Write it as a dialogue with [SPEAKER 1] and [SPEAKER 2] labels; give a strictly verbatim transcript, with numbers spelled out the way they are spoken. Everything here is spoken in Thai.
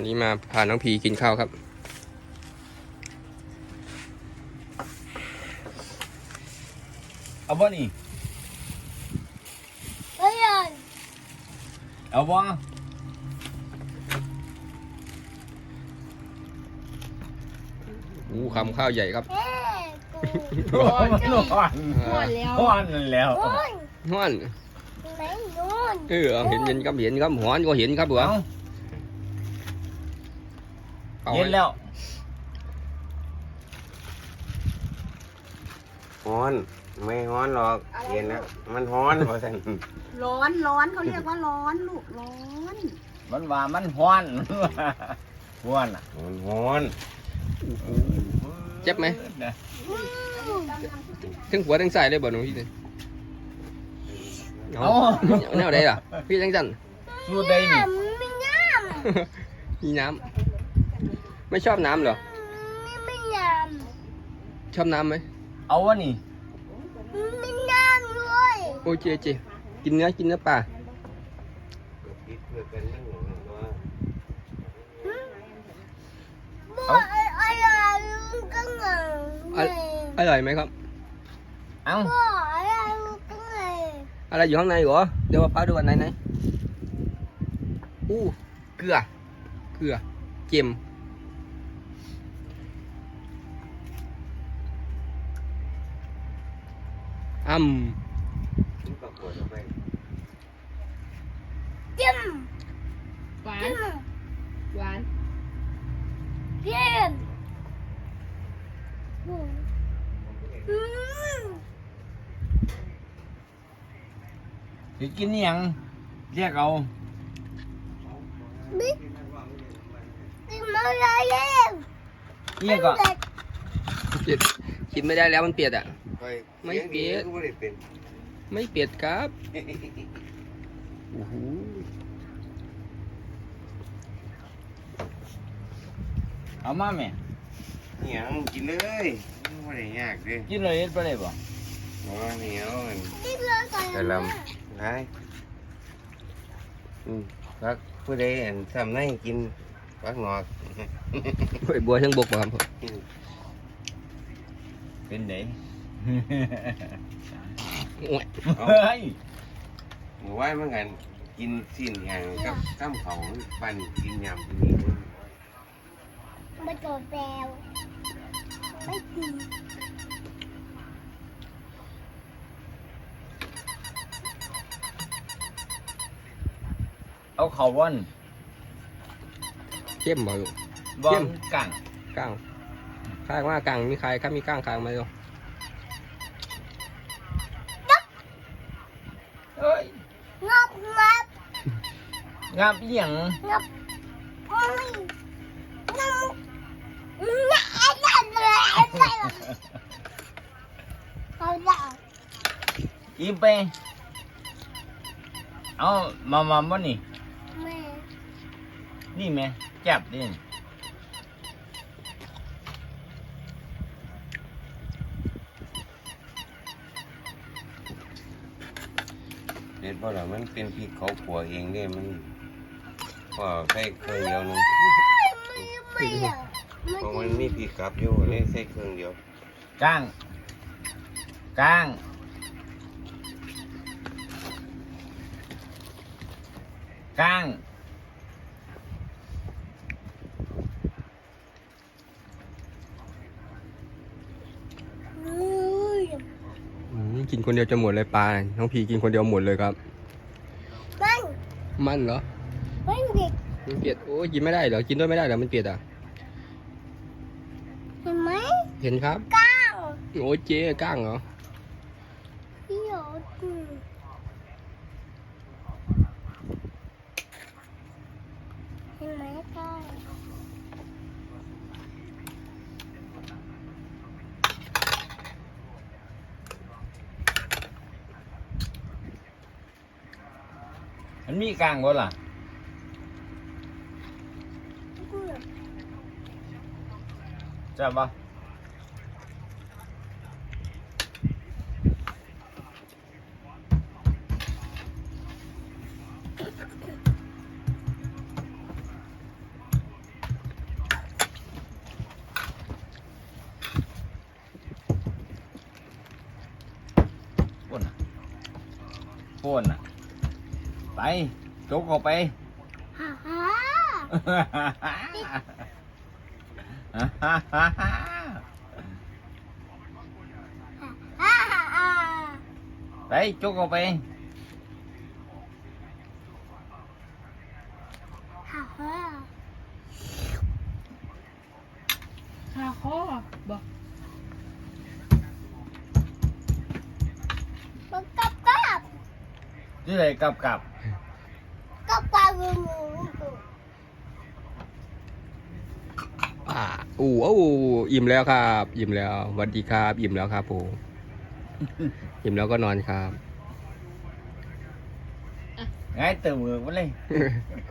[SPEAKER 1] วันนี้มาพาน้องพีกินข้าวครับ
[SPEAKER 2] เอาบ่นี่เอาบ่
[SPEAKER 1] อู้คำข้าวใหญ่ครับ
[SPEAKER 2] ร้อนร้อน
[SPEAKER 3] หมดแล้ว
[SPEAKER 2] ร้อนแล้ว
[SPEAKER 1] ห้อนเออเห็นเห็นครับเห็นครับหอนก็เห็นครับเหรอ
[SPEAKER 2] เอาเย็นแล้ว
[SPEAKER 4] ฮ้อนไม่ฮ้อนหรอกเย็นแล้วมันฮ้อนเพราะฉะนั้น
[SPEAKER 3] ร้อนร้อนเขาเรียกว่าร้อนลูกร้อน
[SPEAKER 2] มันว่ามันฮ้อนฮ้อนอ่ะ
[SPEAKER 4] มันฮ้อน
[SPEAKER 1] เจ็บไหมทั้งหัวทั้งใส่เลยบ่หนูพี่เอาแนวใดล่ะพี่จังจัน
[SPEAKER 2] สูดได้นี่
[SPEAKER 1] มีน้ำไม่ชอบน้ำเหรอชอบน้ำไหม
[SPEAKER 2] เอาวะนี่
[SPEAKER 1] โอ้เจเจกินเนื้อกินเนื้อปลา
[SPEAKER 4] คิดเพื่อกันนั่งอย่างนั้นว่า
[SPEAKER 1] อร่อยไหมครับ
[SPEAKER 2] เอา
[SPEAKER 1] อะไรอยู่ข้างในเหรอเดี๋ยวมาป้าดูอันไหนไหนอู้เกลือเกลือเค็มอืม
[SPEAKER 4] คิดปรากฏออกไป
[SPEAKER 3] หวานหวาน
[SPEAKER 2] สิกินนี่ยังเรียกเอา เรียกก็
[SPEAKER 1] เปียดกินไม่ได้แล้วมันเปียดอ่ะ
[SPEAKER 4] ไป
[SPEAKER 1] ไม่เปลี่ยน
[SPEAKER 4] ไม่ได้เป็น
[SPEAKER 1] ไม่เปียดครับโอ้โห
[SPEAKER 2] เอามาแม่
[SPEAKER 4] เหนียวกินเลยไม่ได้ยากเลย
[SPEAKER 2] กินเลยเฮ็ดไปได้บ่
[SPEAKER 4] เพราะว่าเหนียวมันแต่ลำไรอืมพักผู้ใดอันทำให้กินพักงอก
[SPEAKER 1] หอยบัวทั้งบกบ่ครับผม
[SPEAKER 2] เป็นได
[SPEAKER 1] โอ้ย
[SPEAKER 4] เอา
[SPEAKER 2] เฮ้ย
[SPEAKER 4] หมู่ว่าเมื่อไงกินสิ้นอย่างกับข้ามของปั่นกินยำกินนี่
[SPEAKER 5] ไม่โดนแปลวไม่ดี
[SPEAKER 2] เอาเขาวัน
[SPEAKER 1] เข้มบ่ลูก
[SPEAKER 2] บ่
[SPEAKER 1] เข้ม
[SPEAKER 2] กัง
[SPEAKER 1] ก้างข้างว่ากลางมีใครครับมีก้างข้างไหมลูก
[SPEAKER 2] เอ้ย
[SPEAKER 5] งับงับ
[SPEAKER 2] งามอีหยัง
[SPEAKER 5] งับไม่งับงับอะไรอะไรเขาจะ
[SPEAKER 2] อีไปเอามามาบ่นี่
[SPEAKER 5] แม่
[SPEAKER 2] นี่แม่จับดิ
[SPEAKER 4] เด็ดเพราะเรามันเป็นพริกเขาขัวเองเนี่ยมันพอใส่เครื่องเดียวนึง
[SPEAKER 5] ไม่อยาก
[SPEAKER 4] เพราะมันมีพริกกลับอยู่เลยใส่เครื่องเดียว
[SPEAKER 2] กลางกลางกลาง
[SPEAKER 1] อืมกินคนเดียวจะหมดเลยปลาน้องพีกินคนเดียวหมดเลยครับ
[SPEAKER 5] มัน
[SPEAKER 1] มันเหรอ
[SPEAKER 5] มันเด็ก
[SPEAKER 1] มันเปียดโอ้ยกินไม่ได้เหรอกินด้วยไม่ได้เหรอมันเปียดอ่ะ
[SPEAKER 5] เห็นไหม
[SPEAKER 1] เห็นครับ
[SPEAKER 5] ก้าง
[SPEAKER 1] โอ้ยเจ๊ก้างเหรอ
[SPEAKER 5] พี่หยดเห็นไหมก้าง
[SPEAKER 2] มันมีกลางบ่ล่ะจับบ่นน่ะไปจกออกไป
[SPEAKER 5] ฮ่าฮ่า
[SPEAKER 2] ฮ่าฮ่าฮ่าฮ่า
[SPEAKER 5] ฮ่าฮ่า
[SPEAKER 2] ไปจกออกไป
[SPEAKER 5] ฮ่าฮ่า
[SPEAKER 3] คาคอบอก
[SPEAKER 5] มันกับกับ
[SPEAKER 2] ที่ไหนกลับกลับ
[SPEAKER 5] กับกับงูงู
[SPEAKER 1] อ่าอู้โอ้อิ่มแล้วครับ อิ่มแล้วสวัสดีครับ อิ่มแล้วครับผมอิ่มแล้วก็นอนครับ
[SPEAKER 2] ง่ายเติมมือมาเลย